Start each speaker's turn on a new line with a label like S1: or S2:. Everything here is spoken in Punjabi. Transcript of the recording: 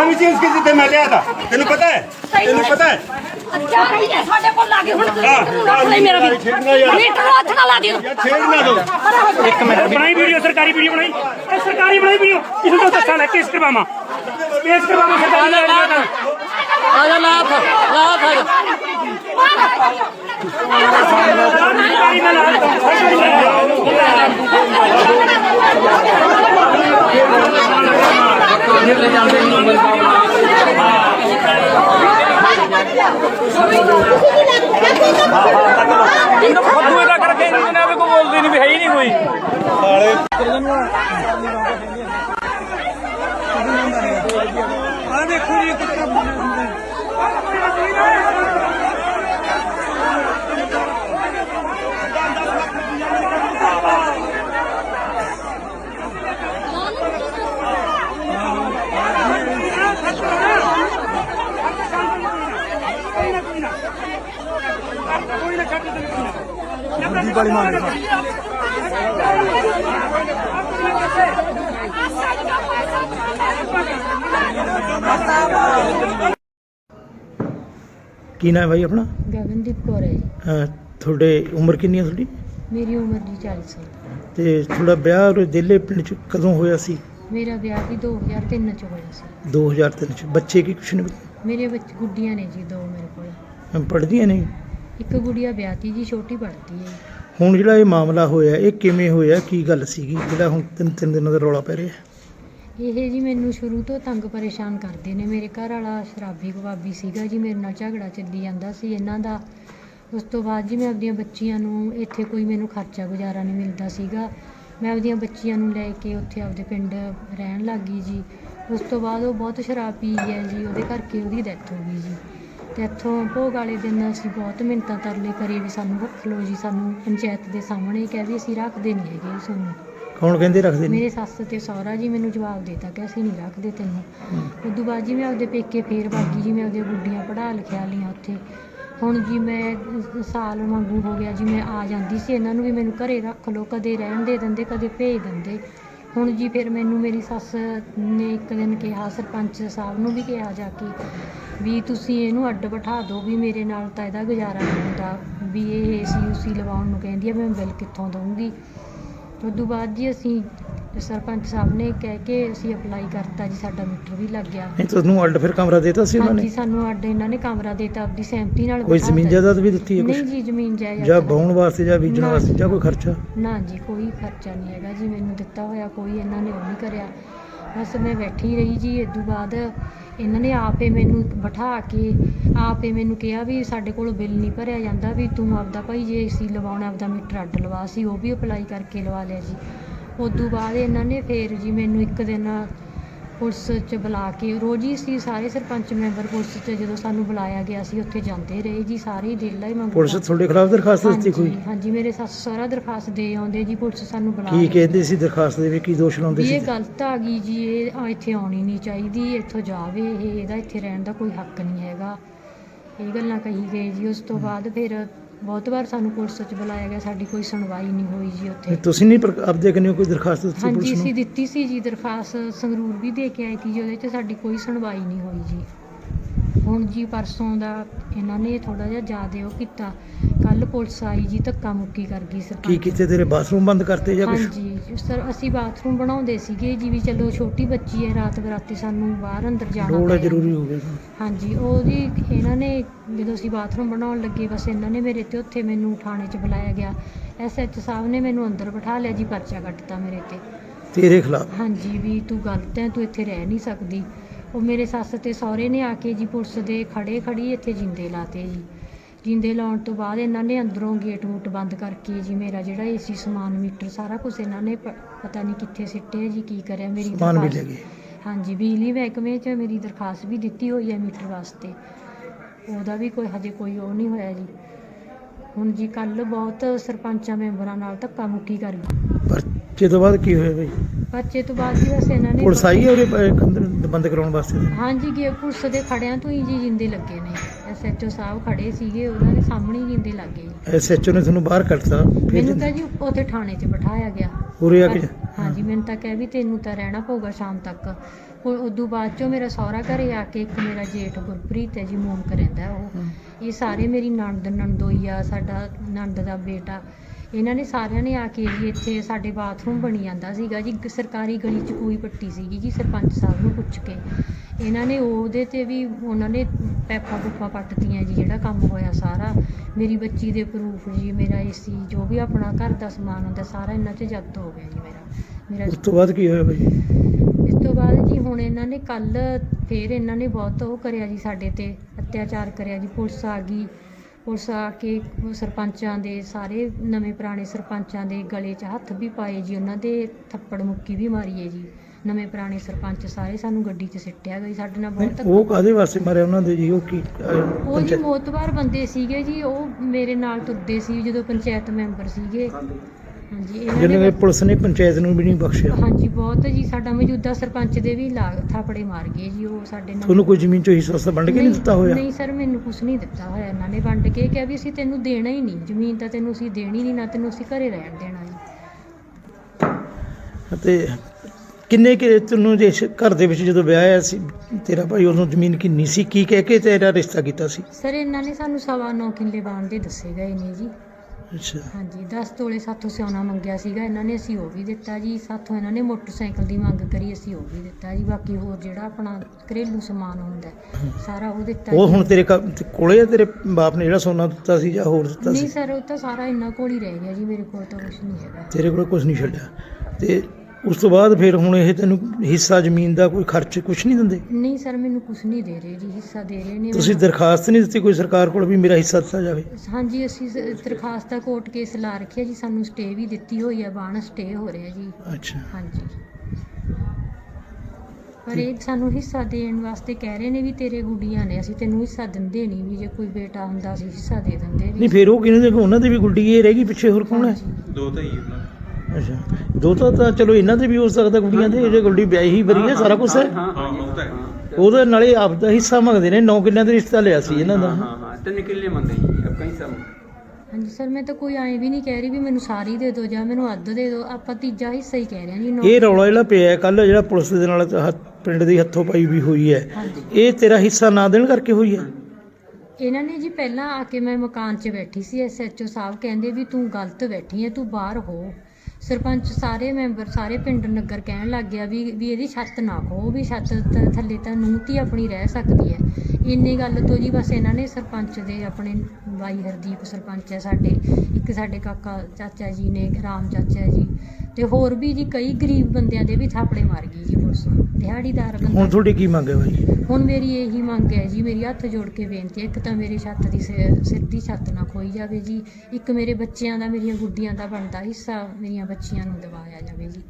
S1: ਅੱਖਾਂ ਵਿੱਚ ਇਸ ਕਿਸੇ ਤੇ ਮੈਂ ਲਿਆ था ਤੈਨੂੰ ਪਤਾ ਹੈ
S2: ਅੱਛਾ ਕਹੀ ਹੈ ਸਾਡੇ ਕੋਲ ਲਾ ਕੇ ਹੁਣ ਤੂੰ ਰੱਖ ਲੈ ਮੇਰਾ ਵੀ ਮੀਟਰ ਹੱਥ ਨਾਲ ਲਾ ਦਿਓ
S1: ਛੇੜ ਨਾ ਦੋ
S3: एक मिनट बनाई वीडियो सरकारी वीडियो बनाई सरकारी बनाई वीडियो इसमें तो अच्छा है केस करवामा सरकारी
S4: आजा लाख करके को बोलती नहीं है ही नहीं कोई देखो ये
S3: वाली मांग
S5: ਕੀ ਨਾਮ ਹੈ ਭਾਈ ਆਪਣਾ?
S6: ਗਗਨਦੀਪ ਕੌਰ ਹੈ ਜੀ।
S5: ਤੁਹਾਡੇ ਉਮਰ ਕਿੰਨੀ ਹੈ ਤੁਹਾਡੀ?
S6: ਮੇਰੀ ਉਮਰ ਜੀ 40 ਸਾਲ।
S5: ਤੇ ਤੁਹਾਡਾ ਵਿਆਹ ਉਰੇ ਦਿੱਲੇ ਪਿੰਡ ਚ ਕਦੋਂ ਹੋਇਆ ਸੀ?
S6: ਮੇਰਾ ਵਿਆਹ ਵੀ 2003 ਚ ਹੋਇਆ ਸੀ।
S5: 2003 ਚ। ਬੱਚੇ ਕੀ ਕੁਛ ਨੇ?
S6: ਮੇਰੇ ਬੱਚੇ ਗੁੱਡੀਆਂ ਨੇ ਜੀ, 2 ਮੇਰੇ ਕੋਲ।
S5: ਪੜ੍ਹਦੀਆਂ ਨੇ?
S6: ਇੱਕ ਗੁੜੀਆ ਵਿਆਹਤੀ ਜੀ, ਛੋਟੀ ਪੜ੍ਹਦੀ ਹੈ।
S5: ਹੁਣ ਜਿਹੜਾ ਇਹ ਮਾਮਲਾ ਹੋਇਆ ਇਹ ਕਿਵੇਂ ਹੋਇਆ, ਕੀ ਗੱਲ ਸੀਗੀ ਜਿਹੜਾ ਹੁਣ 3 ਦਿਨਾਂ ਦਾ ਰੌਲਾ ਪੈ ਰਿਹਾ?
S6: ਇਹ ਜੀ ਮੈਨੂੰ ਸ਼ੁਰੂ ਤੋਂ ਤੰਗ ਪਰੇਸ਼ਾਨ ਕਰਦੇ ਨੇ। ਮੇਰੇ ਘਰ ਵਾਲਾ ਸ਼ਰਾਬੀ ਕਬਾਬੀ ਸੀਗਾ ਜੀ, ਮੇਰੇ ਨਾਲ ਝਗੜਾ ਚੱਲੀ ਜਾਂਦਾ ਸੀ ਇਹਨਾਂ ਦਾ। ਉਸ ਤੋਂ ਬਾਅਦ ਜੀ ਮੈਂ ਆਪਦੀਆਂ ਬੱਚੀਆਂ ਨੂੰ ਇੱਥੇ ਕੋਈ ਮੈਨੂੰ ਖਰਚਾ ਗੁਜ਼ਾਰਾ ਨਹੀਂ ਮਿਲਦਾ ਸੀਗਾ। ਮੈਂ ਆਪਦੀਆਂ ਬੱਚੀਆਂ ਨੂੰ ਲੈ ਕੇ ਉੱਥੇ ਆਪਦੇ ਪਿੰਡ ਰਹਿਣ ਲੱਗ ਗਈ ਜੀ। ਉਸ ਤੋਂ ਬਾਅਦ ਉਹ ਬਹੁਤ ਸ਼ਰਾਬ ਪੀ ਗਿਆ ਜੀ, ਉਹਦੇ ਕਰਕੇ ਉਹਦੀ ਡੈਥ ਹੋ ਗਈ ਜੀ। ਅਤੇ ਇੱਥੋਂ ਭੋਗ ਵਾਲੇ ਦਿਨ ਅਸੀਂ ਬਹੁਤ ਮਿੰਨਤਾਂ ਤਰਲੇ ਕਰੇ ਵੀ ਸਾਨੂੰ ਰੱਖ ਲਓ ਜੀ, ਸਾਨੂੰ ਪੰਚਾਇਤ ਦੇ ਸਾਹਮਣੇ ਕਿਹਾ ਵੀ ਅਸੀਂ ਰੱਖਦੇ ਨਹੀਂ ਹੈਗੇ ਤੁਹਾਨੂੰ।
S5: ਕੌਣ ਕਹਿੰਦੇ ਰੱਖਦੇ ਨਹੀਂ?
S6: ਮੇਰੇ ਸੱਸ ਤੇ ਸਹੁਰਾ ਜੀ ਮੈਨੂੰ ਜਵਾਬ ਦੇਤਾ ਕਿ ਅਸੀਂ ਨਹੀਂ ਰੱਖਦੇ ਤੈਨੂੰ। ਉਦੋਂ ਬਾਅਦ ਜੀ ਮੈਂ ਆਪਦੇ ਪੇਕੇ ਫੇਰ ਬਾਗੀ ਜੀ, ਮੈਂ ਆਪਦੀਆਂ ਗੁੱਡੀਆਂ ਪੜ੍ਹਾ ਲਿਖਿਆ ਲਈਆਂ ਉੱਥੇ। ਹੁਣ ਜੀ ਮੈਂ ਸਾਲ ਵਾਂਗੂ ਹੋ ਗਿਆ ਜੀ, ਮੈਂ ਆ ਜਾਂਦੀ ਸੀ ਇਹਨਾਂ ਨੂੰ ਵੀ ਮੈਨੂੰ ਘਰੇ ਰੱਖ ਲਓ, ਕਦੇ ਰਹਿਣ ਦੇ ਦਿੰਦੇ ਕਦੇ ਭੇਜ ਦਿੰਦੇ। ਹੁਣ ਜੀ ਫਿਰ ਮੈਨੂੰ ਮੇਰੀ ਸੱਸ ਨੇ ਇੱਕ ਦਿਨ ਕਿਹਾ, ਸਰਪੰਚ ਸਾਹਿਬ ਨੂੰ ਵੀ ਕਿਹਾ ਜਾ ਕੇ ਵੀ ਤੁਸੀਂ ਇਹਨੂੰ ਅੱਡ ਬਿਠਾ ਦਿਓ, ਵੀ ਮੇਰੇ ਨਾਲ ਤਾਂ ਇਹਦਾ ਗੁਜ਼ਾਰਾ ਨਹੀਂ ਹੁੰਦਾ, ਵੀ ਇਹ AC ਲਵਾਉਣ ਨੂੰ ਕਹਿੰਦੀ ਆ, ਮੈਂ ਬਿੱਲ ਕਿੱਥੋਂ ਦਊਂਗੀ। ਉਦੋਂ ਬਾਅਦ ਜੀ ਅਸੀਂ ਸਰਪੰਚ ਸਾਹਿਬ ਨੇ ਕਹਿ ਕੇ ਅਸੀਂ ਅਪਲਾਈ ਕਰਤਾ ਜੀ, ਸਾਡਾ ਮੀਟਰ ਵੀ ਲੱਗ ਗਿਆ।
S5: ਨਹੀਂ ਤੁਹਾਨੂੰ ਅੱਡ ਫਿਰ ਕਮਰਾ ਦੇਤਾ ਸੀ ਉਹਨਾਂ ਨੇ?
S6: ਹਾਂਜੀ ਸਾਨੂੰ ਅੱਡ ਇਹਨਾਂ ਨੇ ਕਮਰਾ ਦੇਤਾ, ਆਪਦੀ ਸਹਿਮਤੀ ਨਾਲ।
S5: ਕੋਈ ਜ਼ਮੀਨ ਜਾਇਦਾਦ ਵੀ ਦਿੱਤੀ ਹੈ?
S6: ਨਹੀਂ ਜੀ ਜ਼ਮੀਨ ਜਾਇਦਾਦ
S5: ਜਾਂ ਬਾਉਣ ਵਾਸਤੇ ਜਾਂ ਬੀਜਣ ਵਾਸਤੇ ਜਾਂ ਕੋਈ ਖਰਚਾ?
S6: ਨਾ ਜੀ ਕੋਈ ਖਰਚਾ ਨਹੀਂ ਹੈਗਾ ਜੀ, ਮੈਨੂੰ ਦਿੱਤਾ ਹੋਇਆ ਕੋਈ ਇਹਨਾਂ ਨੇ ਉਹ ਨਹੀਂ ਕਰਿਆ। ਬਸ ਮੈਂ ਬੈਠੀ ਰਹੀ ਜੀ। ਇਸ ਤੋਂ ਬਾਅਦ ਇਹਨਾਂ ਨੇ ਆਪੇ ਮੈਨੂੰ ਬਿਠਾ ਕੇ ਆਪੇ ਮੈਨੂੰ ਕਿਹਾ ਵੀ ਸਾਡੇ ਕੋਲੋਂ ਬਿੱਲ ਨਹੀਂ ਭਰਿਆ ਜਾਂਦਾ, ਵੀ ਤੂੰ ਆਪਦਾ ਭਾਈ ਜੇ AC ਲਵਾਉਣਾ ਆਪਦਾ ਮੀਟਰ ਅੱਡ ਲਵਾ। ਸੀ ਉਹ ਵੀ ਅਪਲਾਈ ਕਰਕੇ ਲਵਾ ਲਿਆ ਜੀ। ਉਦੋਂ ਬਾਅਦ ਇਹਨਾਂ ਨੇ ਫੇਰ ਜੀ ਮੈਨੂੰ ਇੱਕ ਦਿਨ ਪੁਲਿਸ 'ਚ ਬੁਲਾ ਕੇ, ਰੋਜ਼ ਹੀ ਸੀ ਸਾਰੇ ਸਰਪੰਚ ਮੈਂਬਰ ਪੁਲਿਸ 'ਚ ਜਦੋਂ ਸਾਨੂੰ ਬੁਲਾਇਆ ਗਿਆ ਸੀ ਉੱਥੇ ਜਾਂਦੇ ਰਹੇ ਜੀ, ਸਾਰੇ ਹੀ ਡੇਲਾ ਹੀ ਮੰਗਦੇ।
S5: ਪੁਲਿਸ ਤੁਹਾਡੇ ਖਿਲਾਫ ਦਰਖਾਸਤ ਦਿੱਤੀ ਕੋਈ?
S6: ਹਾਂਜੀ ਮੇਰੇ ਸੱਸ ਸਹੁਰਾ ਦਰਖਾਸਤ ਦੇ ਆਉਂਦੇ ਜੀ, ਪੁਲਿਸ ਸਾਨੂੰ ਬੁਲਾ
S5: ਕੀ ਕਹਿੰਦੇ ਸੀ ਦਰਖਾਸਤ ਦੇ ਵਿੱਚ? ਕੀ ਦੋਸ਼ ਲਾਉਂਦੇ ਸੀ?
S6: ਇਹ ਗਲਤ ਆ ਗਈ ਜੀ, ਇਹ ਇੱਥੇ ਆਉਣੀ ਨਹੀਂ ਚਾਹੀਦੀ, ਇੱਥੋਂ ਜਾਵੇ ਇਹ, ਇਹਦਾ ਇੱਥੇ ਰਹਿਣ ਦਾ ਕੋਈ ਹੱਕ ਨਹੀਂ ਹੈਗਾ, ਇਹ ਗੱਲਾਂ ਕਹੀ ਗਏ ਜੀ। ਉਸ ਤੋਂ ਬਾਅਦ ਫਿਰ ਬਹੁਤ ਵਾਰ ਸਾਨੂੰ ਪੁਲਿਸ 'ਚ ਬੁਲਾਇਆ ਗਿਆ, ਸਾਡੀ ਕੋਈ ਸੁਣਵਾਈ ਨਹੀਂ ਹੋਈ ਜੀ ਉੱਥੇ।
S5: ਤੁਸੀਂ ਨਹੀਂ ਆਪਦੇ ਕਿੰਨੇ ਕੋਈ ਦਰਖਾਸਤ ਦਿੱਤੀ ਪੁਲਿਸ ਨੂੰ?
S6: ਹਾਂਜੀ ਅਸੀਂ ਦਿੱਤੀ ਸੀ ਜੀ ਦਰਖਾਸਤ, ਸੰਗਰੂਰ ਵੀ ਦੇ ਕੇ ਆਈ ਸੀ ਜੀ, ਉਹਦੇ 'ਚ ਸਾਡੀ ਕੋਈ ਸੁਣਵਾਈ ਨਹੀਂ ਹੋਈ ਜੀ। ਹੁਣ ਜੀ ਪਰਸੋਂ ਦਾ ਇਹਨਾਂ ਨੇ ਥੋੜ੍ਹਾ ਜਿਹਾ ਜ਼ਿਆਦਾ ਉਹ ਕੀਤਾ, ਕੱਲ੍ਹ ਪੁਲਿਸ ਆਈ ਜੀ, ਧੱਕਾ ਮੁੱਕੀ ਕਰ ਗਈ ਸਰਪੰਚ।
S5: ਕੀ ਕੀਤੇ ਤੇਰੇ ਬਾਥਰੂਮ ਬੰਦ ਕਰਤੇ ਜਾਂ ਕੁਛ?
S6: ਹਾਂਜੀ ਸਰ ਅਸੀਂ ਬਾਥਰੂਮ ਬਣਾਉਂਦੇ ਸੀਗੇ ਜੀ, ਵੀ ਚਲੋ ਛੋਟੀ ਬੱਚੀ ਹੈ, ਰਾਤ ਬਰਾਤੇ ਸਾਨੂੰ ਬਾਹਰ ਅੰਦਰ ਜਾਣਾ
S5: ਲੋੜ ਜ਼ਰੂਰੀ ਹੋ ਗਿਆ।
S6: ਹਾਂਜੀ ਉਹ ਜੀ ਇਹਨਾਂ ਨੇ ਜਦੋਂ ਅਸੀਂ ਬਾਥਰੂਮ ਬਣਾਉਣ ਲੱਗੇ, ਬਸ ਇਹਨਾਂ ਨੇ ਮੇਰੇ ਤੇ ਉੱਥੇ ਮੈਨੂੰ ਥਾਣੇ 'ਚ ਬੁਲਾਇਆ ਗਿਆ। SH ਸਾਹਿਬ ਨੇ ਮੈਨੂੰ ਅੰਦਰ ਬਿਠਾ ਲਿਆ ਜੀ, ਪਰਚਾ ਕੱਟਤਾ ਮੇਰੇ ਤੇ
S5: ਤੇਰੇ ਖਿਲਾਫ?
S6: ਹਾਂਜੀ ਵੀ ਤੂੰ ਗਲਤ ਹੈ, ਤੂੰ ਇੱਥੇ ਰਹਿ ਨਹੀਂ ਸਕਦੀ। ਉਹ ਮੇਰੇ ਸੱਸ ਤੇ ਸਹੁਰੇ ਨੇ ਆ ਕੇ ਜੀ ਪੁਲਿਸ ਦੇ ਖੜੀ ਇੱਥੇ ਜਿੰਦੇ ਲਾਤੇ ਜੀ। ਜਿੰਦੇ ਲਾਉਣ ਤੋਂ ਬਾਅਦ ਇਹਨਾਂ ਨੇ ਅੰਦਰੋਂ ਗੇਟ ਗੂਟ ਬੰਦ ਕਰਕੇ ਜੀ ਮੇਰਾ ਜਿਹੜਾ AC ਸਮਾਨ ਮੀਟਰ ਸਾਰਾ ਕੁਝ ਇਹਨਾਂ ਨੇ ਪਤਾ ਨਹੀਂ ਕਿੱਥੇ ਸਿੱਟਿਆ ਜੀ, ਕੀ ਕਰਿਆ। ਮੇਰੀ
S5: ਸਮਾਨ ਵੀ ਲੈ ਗਏ?
S6: ਹਾਂਜੀ ਬਿਜਲੀ ਮਹਿਕਮੇ 'ਚ ਮੇਰੀ ਦਰਖਾਸਤ ਵੀ ਦਿੱਤੀ ਹੋਈ ਹੈ ਮੀਟਰ ਵਾਸਤੇ, ਉਹਦਾ ਵੀ ਕੋਈ ਹਜੇ ਕੋਈ ਉਹ ਨਹੀਂ ਹੋਇਆ ਜੀ। ਹੁਣ ਜੀ ਕੱਲ੍ਹ ਬਹੁਤ ਸਰਪੰਚਾਂ ਮੈਂਬਰਾਂ ਨਾਲ ਧੱਕਾ ਮੁੱਕੀ ਕਰ ਗਈ।
S5: ਪਰਚੇ ਤੋਂ ਬਾਅਦ ਕੀ ਹੋਇਆ ਬਈ?
S6: ਪਰਚੇ ਤੋਂ ਬਾਅਦ ਜੀ ਬਸ ਇਹਨਾਂ ਨੇ
S5: ਪੁਲਿਸ ਆਈ ਹੈ ਉਹਦੇ ਬੰਦ ਕਰਾਉਣ ਵਾਸਤੇ?
S6: ਹਾਂਜੀ ਗੇ ਪੁਲਿਸ ਦੇ ਖੜਿਆਂ ਤੋਂ ਹੀ ਜੀ ਜਿੰਦੇ ਲੱਗੇ ਨੇ। SHO ਸਾਹਿਬ ਖੜੇ ਸੀਗੇ, ਉਹਨਾਂ ਦੇ ਸਾਹਮਣੇ ਹੀ ਜਿੰਦੇ ਲੱਗ ਗਏ।
S5: SHO ਨੇ ਤੁਹਾਨੂੰ ਬਾਹਰ ਕੱਢਤਾ?
S6: ਮੈਨੂੰ ਤਾਂ ਜੀ ਉੱਥੇ ਥਾਣੇ 'ਚ ਬਿਠਾਇਆ ਗਿਆ
S5: ਉਰੇ ਆ ਕੇ?
S6: ਹਾਂਜੀ ਮੈਨੂੰ ਤਾਂ ਕਹਿ ਵੀ ਤੈਨੂੰ ਤਾਂ ਰਹਿਣਾ ਪਊਗਾ ਸ਼ਾਮ ਤੱਕ, ਉਦੋਂ ਬਾਅਦ ਚੋਂ ਮੇਰਾ ਸਹੁਰਾ ਘਰੇ ਆ ਕੇ ਇੱਕ ਮੇਰਾ ਜੇਠ ਗੁਰਪ੍ਰੀਤ ਹੈ ਜੀ, ਮੋਨਕ ਰਹਿੰਦਾ ਉਹ, ਇਹ ਸਾਰੇ ਮੇਰੀ ਨਣਦ ਨਣਦੋਈ ਆ, ਸਾਡਾ ਨਣਦ ਦਾ ਬੇਟਾ, ਇਹਨਾਂ ਨੇ ਸਾਰਿਆਂ ਨੇ ਆ ਕੇ ਜੀ ਇੱਥੇ ਸਾਡੇ ਬਾਥਰੂਮ ਬਣੀ ਜਾਂਦਾ ਸੀਗਾ ਜੀ, ਸਰਕਾਰੀ ਗਲੀ 'ਚ ਕੋਈ ਪੱਟੀ ਸੀਗੀ ਜੀ, ਸਰਪੰਚ ਸਾਹਿਬ ਨੂੰ ਪੁੱਛ ਕੇ ਇਹਨਾਂ ਨੇ ਉਹਦੇ 'ਤੇ ਵੀ ਉਹਨਾਂ ਨੇ ਪੈਪਾਂ ਪੂਪਾਂ ਪੱਟਤੀਆਂ ਜੀ, ਜਿਹੜਾ ਕੰਮ ਹੋਇਆ ਸਾਰਾ, ਮੇਰੀ ਬੱਚੀ ਦੇ ਪ੍ਰੂਫ ਜੀ, ਮੇਰਾ ਏਸੀ ਜੋ ਵੀ ਆਪਣਾ ਘਰ ਦਾ ਸਮਾਨ ਹੁੰਦਾ ਸਾਰਾ ਇਹਨਾਂ 'ਚ ਜ਼ਬਤ ਹੋ ਗਿਆ ਜੀ ਮੇਰਾ।
S5: ਉਸ ਤੋਂ ਬਾਅਦ ਕੀ ਹੋਇਆ ਬਾਈ?
S6: ਇਸ ਤੋਂ ਬਾਅਦ ਜੀ ਹੁਣ ਇਹਨਾਂ ਨੇ ਕੱਲ ਫੇਰ ਇਹਨਾਂ ਨੇ ਬਹੁਤ ਉਹ ਕਰਿਆ ਜੀ, ਸਾਡੇ ਤੇ ਅਤਿਆਚਾਰ ਕਰਿਆ ਜੀ, ਪੁਲਿਸ ਆ ਗਈ, ਪੁਲਿਸ ਆ ਕੇ ਸਰਪੰਚਾਂ ਦੇ ਸਾਰੇ ਨਵੇਂ ਪੁਰਾਣੇ ਸਰਪੰਚਾਂ ਦੇ ਗਲੇ 'ਚ ਹੱਥ ਵੀ ਪਾਏ ਜੀ, ਉਹਨਾਂ ਦੇ ਥੱਪੜ ਮੁੱਕੀ ਵੀ ਮਾਰੀ ਹੈ ਜੀ, ਨਵੇਂ ਪੁਰਾਣੇ ਸਰਪੰਚ ਸਾਰੇ ਸਾਨੂੰ ਗੱਡੀ 'ਚ ਸਿੱਟਿਆ ਗਈ, ਸਾਡੇ ਨਾਲ ਬਹੁਤ
S5: ਉਹ ਕਾਹਦੇ ਵਾਸਤੇ ਮਾਰਿਆ ਉਹਨਾਂ ਦੇ ਜੀ? ਉਹ ਕੀ
S6: ਉਹ ਜੀ ਮੋਤਬਾਰ ਬੰਦੇ ਸੀਗੇ ਜੀ, ਉਹ ਮੇਰੇ ਨਾਲ ਤੁਰਦੇ ਸੀ ਜਦੋਂ ਪੰਚਾਇਤ ਮੈਂਬਰ ਸੀਗੇ। ਹਾਂਜੀ ਇਹਨਾਂ
S5: ਜਿਹਨਾਂ
S6: ਨੇ
S5: ਨੇ ਪੁਲਿਸ ਨੇ ਪੰਚਾਇਤ ਨੂੰ ਵੀ ਨਹੀਂ ਬਖਸ਼ਿਆ?
S6: ਹਾਂਜੀ ਬਹੁਤ ਜੀ, ਸਾਡਾ ਮੌਜੂਦਾ ਸਰਪੰਚ ਦੇ ਵੀ ਥਾਪੜੇ ਮਾਰ ਗਏ ਜੀ ਉਹ ਸਾਡੇ ਨਾਲ।
S5: ਤੁਹਾਨੂੰ ਕੋਈ ਜ਼ਮੀਨ ਚੋਂ ਹਿੱਸਾ ਵੰਡ ਕੇ ਨਹੀਂ ਦਿੱਤਾ ਹੋਇਆ?
S6: ਨਹੀਂ ਸਰ, ਮੈਨੂੰ ਕੁਝ ਨਹੀਂ ਦਿੱਤਾ ਹੋਇਆ ਇਹਨਾਂ ਨੇ, ਵੰਡ ਕੇ ਕਿਹਾ ਵੀ ਅਸੀਂ ਤੈਨੂੰ ਦੇਣਾ ਹੀ ਨਹੀਂ, ਜ਼ਮੀਨ ਤਾਂ ਤੈਨੂੰ ਅਸੀਂ ਦੇਣੀ ਨਹੀਂ, ਨਾ ਤੈਨੂੰ ਅਸੀਂ ਘਰੇ ਰਹਿਣ ਦੇਣਾ ਜੀ।
S5: ਅਤੇ ਕਿੰਨੇ ਕਿ ਤੈਨੂੰ ਜੇ ਘਰ ਦੇ ਵਿੱਚ ਜਦੋਂ ਵਿਆਹ ਆਇਆ ਸੀ ਤੇਰਾ ਭਾਈ, ਉਦੋਂ ਜ਼ਮੀਨ ਕਿੰਨੀ ਸੀ? ਕੀ ਕਹਿ ਕੇ ਤੇਰਾ ਰਿਸ਼ਤਾ ਕੀਤਾ ਸੀ?
S6: ਸਰ ਇਹਨਾਂ ਨੇ ਸਾਨੂੰ 9.25 ਕਿੱਲੇ ਬਾਣ ਦੇ ਦੱਸੇ ਗਏ ਨੇ ਜੀ।
S5: ਅੱਛਾ।
S6: ਹਾਂਜੀ 10 ਤੋਲੇ ਸਾਥੋਂ ਸਿਉਣਾ ਮੰਗਿਆ ਸੀਗਾ ਇਹਨਾਂ ਨੇ, ਅਸੀਂ ਉਹ ਵੀ ਦਿੱਤਾ ਜੀ, ਸਾਥੋਂ ਇਹਨਾਂ ਨੇ ਮੋਟਰਸਾਈਕਲ ਦੀ ਮੰਗ ਕਰੀ, ਅਸੀਂ ਉਹ ਵੀ ਦਿੱਤਾ ਜੀ, ਬਾਕੀ ਹੋਰ ਜਿਹੜਾ ਆਪਣਾ ਘਰੇਲੂ ਸਮਾਨ ਹੁੰਦਾ ਸਾਰਾ ਉਹ ਦਿੱਤਾ
S5: ਉਹ
S6: ਜੀ।
S5: ਹੁਣ ਤੇਰੇ ਕੋਲੇ ਆ? ਤੇਰੇ ਬਾਪ ਨੇ ਜਿਹੜਾ ਸੋਨਾ ਦਿੱਤਾ ਸੀ ਜਾਂ ਹੋਰ ਦਿੱਤਾ
S6: ਨਹੀਂ
S5: ਸੀ?
S6: ਸਰ, ਉਹ ਤਾਂ ਸਾਰਾ ਇਹਨਾਂ ਕੋਲ ਹੀ ਰਹਿ ਗਿਆ ਜੀ, ਮੇਰੇ ਕੋਲ ਤਾਂ ਕੁਝ ਨਹੀਂ ਹੈਗਾ।
S5: ਤੇਰੇ ਕੋਲ ਕੁਝ ਨਹੀਂ ਛੱਡਿਆ? ਤੇ ਉਸ ਤੋਂ ਬਾਅਦ ਫਿਰ ਹੁਣ ਇਹ ਤੈਨੂੰ ਹਿੱਸਾ ਜ਼ਮੀਨ ਦਾ ਕੋਈ ਖਰਚ ਕੁਝ ਨਹੀਂ ਦਿੰਦੇ?
S6: ਨਹੀਂ ਸਰ, ਮੈਨੂੰ ਕੁਝ ਨਹੀਂ ਦੇ ਰਹੇ ਜੀ, ਹਿੱਸਾ ਦੇ ਰਹੇ ਨੇ।
S5: ਤੁਸੀਂ ਦਰਖਾਸਤ ਨਹੀਂ ਦਿੱਤੀ ਕੋਈ ਸਰਕਾਰ ਕੋਲ ਵੀ ਮੇਰਾ ਹਿੱਸਾ ਦਿੱਤਾ ਜਾਵੇ?
S6: ਹਾਂਜੀ ਅਸੀਂ ਦਰਖਾਸਤ ਦਾ ਕੋਰਟ ਕੇਸ ਲਾ ਰੱਖਿਆ ਜੀ, ਸਾਨੂੰ ਸਟੇ ਵੀ ਦਿੱਤੀ ਹੋਈ ਹੈ, ਬਾਣ ਸਟੇ ਹੋ ਰਿਹਾ ਜੀ।
S5: ਅੱਛਾ।
S6: ਹਾਂਜੀ ਪਰ ਇਹ ਸਾਨੂੰ ਹਿੱਸਾ ਦੇਣ ਵਾਸਤੇ ਕਹਿ ਰਹੇ ਨੇ ਵੀ ਤੇਰੇ ਗੁੱਡੀਆਂ ਨੇ, ਅਸੀਂ ਤੈਨੂੰ ਹਿੱਸਾ ਦਿੰਦੇ ਨਹੀਂ, ਵੀ ਜੇ ਕੋਈ ਬੇਟਾ ਹੁੰਦਾ ਸੀ ਹਿੱਸਾ ਦੇ ਦਿੰਦੇ।
S5: ਨਹੀਂ ਫਿਰ ਉਹ ਕਿਹਨੇ ਉਹਨਾਂ ਦੇ ਵੀ ਗੁੱਡੀ ਇਹ ਰਹਿ ਗਈ ਪਿੱਛੇ, ਹੋਰ ਕੌਣ ਹੈ?
S1: ਦੋ ਤਾਂ ਹੀ ਉਹਨਾਂ
S5: ਅੱਛਾ, ਦੋ ਤਾਂ ਚਲੋ ਇਹਨਾਂ ਦੇ ਵੀ ਹੋ ਸਕਦਾ ਗੁੱਡੀਆਂ ਦੇ, ਜੇ ਗੁੱਡੀ ਵਿਆਹੀ ਹੀ ਵਰੀ ਹੈ, ਸਾਰਾ ਕੁਝ ਹੈ। ਉਹਦੇ ਨਾਲੇ ਆਪ ਦਾ ਹਿੱਸਾ ਮੰਗਦੇ ਨੇ, 9 ਕਿੱਲਿਆਂ ਦਾ ਰਿਸ਼ਤਾ ਲਿਆ ਸੀ ਇਹਨਾਂ ਦਾ।
S4: ਹਾਂ 3 ਕਿੱਲੇ ਮੰਗਦੇ ਜੀ, ਆਪਕਾ ਹਿੱਸਾ
S6: ਹਾਂਜੀ ਸਰ, ਮੈਂ ਤਾਂ ਕੋਈ ਐਂ ਵੀ ਨਹੀਂ ਕਹਿ ਰਹੀ ਵੀ ਮੈਨੂੰ ਸਾਰੀ ਦੇ ਦਿਓ ਜਾਂ ਮੈਨੂੰ ਅੱਧ ਦੇ ਦਿਓ, ਆਪਾਂ ਤੀਜਾ ਹਿੱਸਾ ਹੀ ਕਹਿ ਰਹੇ ਹਾਂ ਜੀ।
S5: ਇਹ ਰੌਲਾ ਜਿਹੜਾ ਪਿਆ ਕੱਲ, ਜਿਹੜਾ ਪੁਲਿਸ ਦੇ ਨਾਲ ਪਿੰਡ ਦੀ ਹੱਥੋਂ ਪਾਈ ਵੀ ਹੋਈ ਹੈ, ਇਹ ਤੇਰਾ ਹਿੱਸਾ ਨਾ ਦੇਣ ਕਰਕੇ ਹੋਈ ਹੈ?
S6: ਇਹਨਾਂ ਨੇ ਜੀ ਪਹਿਲਾਂ ਆ ਕੇ, ਮੈਂ ਮਕਾਨ 'ਚ ਬੈਠੀ ਸੀ, SHO ਸਾਹਿਬ ਕਹਿੰਦੇ ਵੀ ਤੂੰ ਗਲਤ ਬੈਠੀ ਹੈ, ਤੂੰ ਬਾਹਰ ਹੋ। ਸਰਪੰਚ ਸਾਰੇ ਮੈਂਬਰ ਸਾਰੇ ਪਿੰਡ ਨਗਰ ਕਹਿਣ ਲੱਗ ਗਿਆ ਵੀ ਇਹਦੀ ਛੱਤ ਨਾ ਖੋ, ਵੀ ਛੱਤ ਥੱਲੇ ਤਾਂ ਨੂੰਹ ਧੀ ਆਪਣੀ ਰਹਿ ਸਕਦੀ ਹੈ। ਇੰਨੀ ਗੱਲ ਤੋਂ ਜੀ ਬਸ ਇਹਨਾਂ ਨੇ ਸਰਪੰਚ ਦੇ, ਆਪਣੇ ਬਾਈ ਹਰਦੀਪ ਸਰਪੰਚ ਹੈ ਸਾਡੇ, ਇੱਕ ਸਾਡੇ ਕਾਕਾ ਚਾਚਾ ਜੀ ਨੇ, ਰਾਮ ਚਾਚਾ ਜੀ, ਤੇ ਹੋਰ ਵੀ ਜੀ ਕਈ ਗਰੀਬ ਬੰਦਿਆਂ ਦੇ ਵੀ ਥਾਪੜੇ ਮਾਰ ਗਈ ਜੀ ਪੁਲਿਸ, ਦਿਹਾੜੀਦਾਰ
S5: ਹੁਣ
S6: ਬੰਦਾ।
S5: ਤੁਹਾਡੀ ਕੀ ਮੰਗ ਹੈ ਬਾਈ?
S6: ਹੁਣ ਮੇਰੀ ਇਹੀ ਮੰਗ ਹੈ ਜੀ, ਮੇਰੀ ਹੱਥ ਜੋੜ ਕੇ ਬੇਨਤੀ ਹੈ, ਇੱਕ ਤਾਂ ਮੇਰੀ ਛੱਤ ਦੀ ਸਿਰ ਦੀ ਛੱਤ ਨਾ ਖੋਈ ਜਾਵੇ ਜੀ, ਇੱਕ ਮੇਰੇ ਬੱਚਿਆਂ ਦਾ, ਮੇਰੀਆਂ ਗੁੱਡੀਆਂ ਦਾ ਬਣਦਾ ਹਿੱਸਾ ਮੇਰੀਆਂ ਬੱਚੀਆਂ ਨੂੰ ਦਿਵਾਇਆ ਜਾਵੇ ਜੀ।